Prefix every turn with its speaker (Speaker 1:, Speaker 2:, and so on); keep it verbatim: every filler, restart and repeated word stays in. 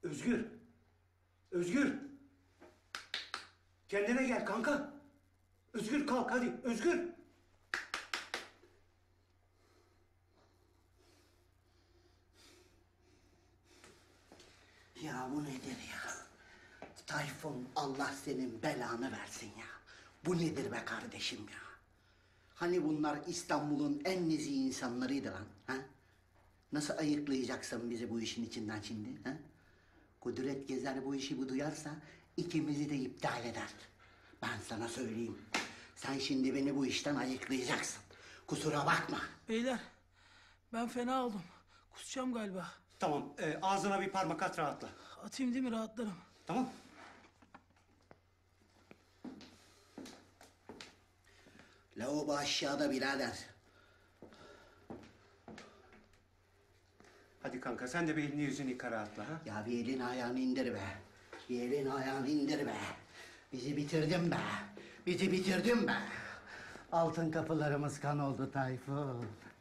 Speaker 1: Özgür. Özgür. Kendine gel kanka. Özgür kalk hadi. Özgür.
Speaker 2: Ya bu nedir ya? Tayfun, Allah senin belanı versin ya. Bu nedir be kardeşim ya? Hani bunlar İstanbul'un en nezih insanlarıydı lan, ha? Nasıl ayıklayacaksın bizi bu işin içinden şimdi, ha? Kudret Gezer bu işi bu duyarsa ikimizi de iptal eder. Ben sana söyleyeyim. Sen şimdi beni bu işten ayıklayacaksın. Kusura bakma.
Speaker 3: Beyler, ben fena oldum. Kusacağım galiba.
Speaker 1: Tamam e, ağzına bir parmak at rahatla.
Speaker 3: Atayım değil mi, rahatlarım.
Speaker 1: Tamam.
Speaker 2: Lavabo aşağıda birader.
Speaker 1: Hadi kanka sen de bir elini yüzünü yıka rahatla ha.
Speaker 2: Ya bir elini ayağını indir be. Bir elini ayağını indir be. Bizi bitirdin be. Bizi bitirdin be. Altın kapılarımız kan oldu Tayfun.